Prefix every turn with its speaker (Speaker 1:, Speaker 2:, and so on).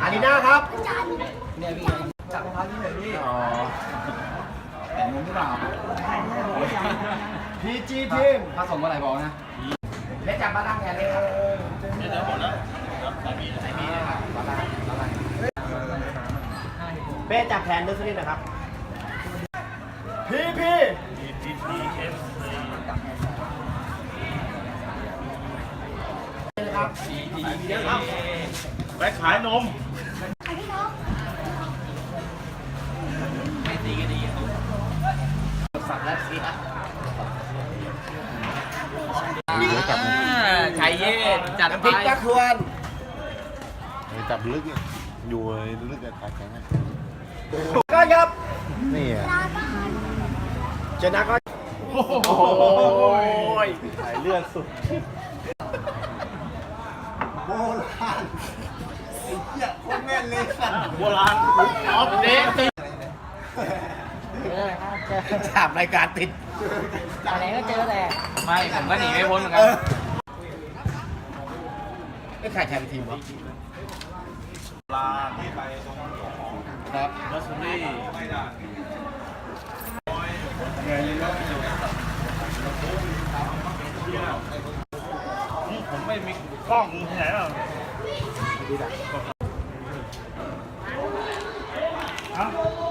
Speaker 1: อารีน่าครับ
Speaker 2: เนี่ยพี่จับรองเท้าที่ไหนพี่อ๋อแต่งงหรือเปล่า
Speaker 1: พีจีทีม
Speaker 2: ถ้าส่งเมื่อไหร่บอกนะ
Speaker 1: เล่นจับบ้านล่างแทนเลยครับ
Speaker 3: เดี๋ยวหมดแล้วสามี
Speaker 2: ไหนมีนะครับบ้านล่างบ้านล่าง
Speaker 1: เป้จับแทนด้วยสักนิดนะครับพีพี
Speaker 3: DTF
Speaker 1: ครับ
Speaker 3: ไปขายนม
Speaker 2: ไม่ตีก็ดีสัตว์และเสียชัยเย่จัด
Speaker 1: น้ำ
Speaker 2: ไป
Speaker 1: พริกตะควร
Speaker 4: จับลึกเนี่ยอยู่ลึกกับขาแข็งอะ
Speaker 1: ก็ครับ
Speaker 4: นี่อ่ะ
Speaker 1: ชนะก็
Speaker 2: โอ้โห
Speaker 4: สายเลือดสุด
Speaker 1: โบราณไอ้เหี้ยโคตรแม่นเลยสัตว์
Speaker 3: โบราณออฟเดต
Speaker 1: ถามรายการติด
Speaker 5: อะไรก็เจอแต่
Speaker 2: ไม่ผมก็หนีไม่พ้นเหมือนกัน
Speaker 1: ไม่ใครแทนทีมวะ
Speaker 3: ลาที่ไปตรง
Speaker 1: ครับ
Speaker 3: ลัสเบอรี่ผมไม่มีกล้องที่ไหนหรอกฮะ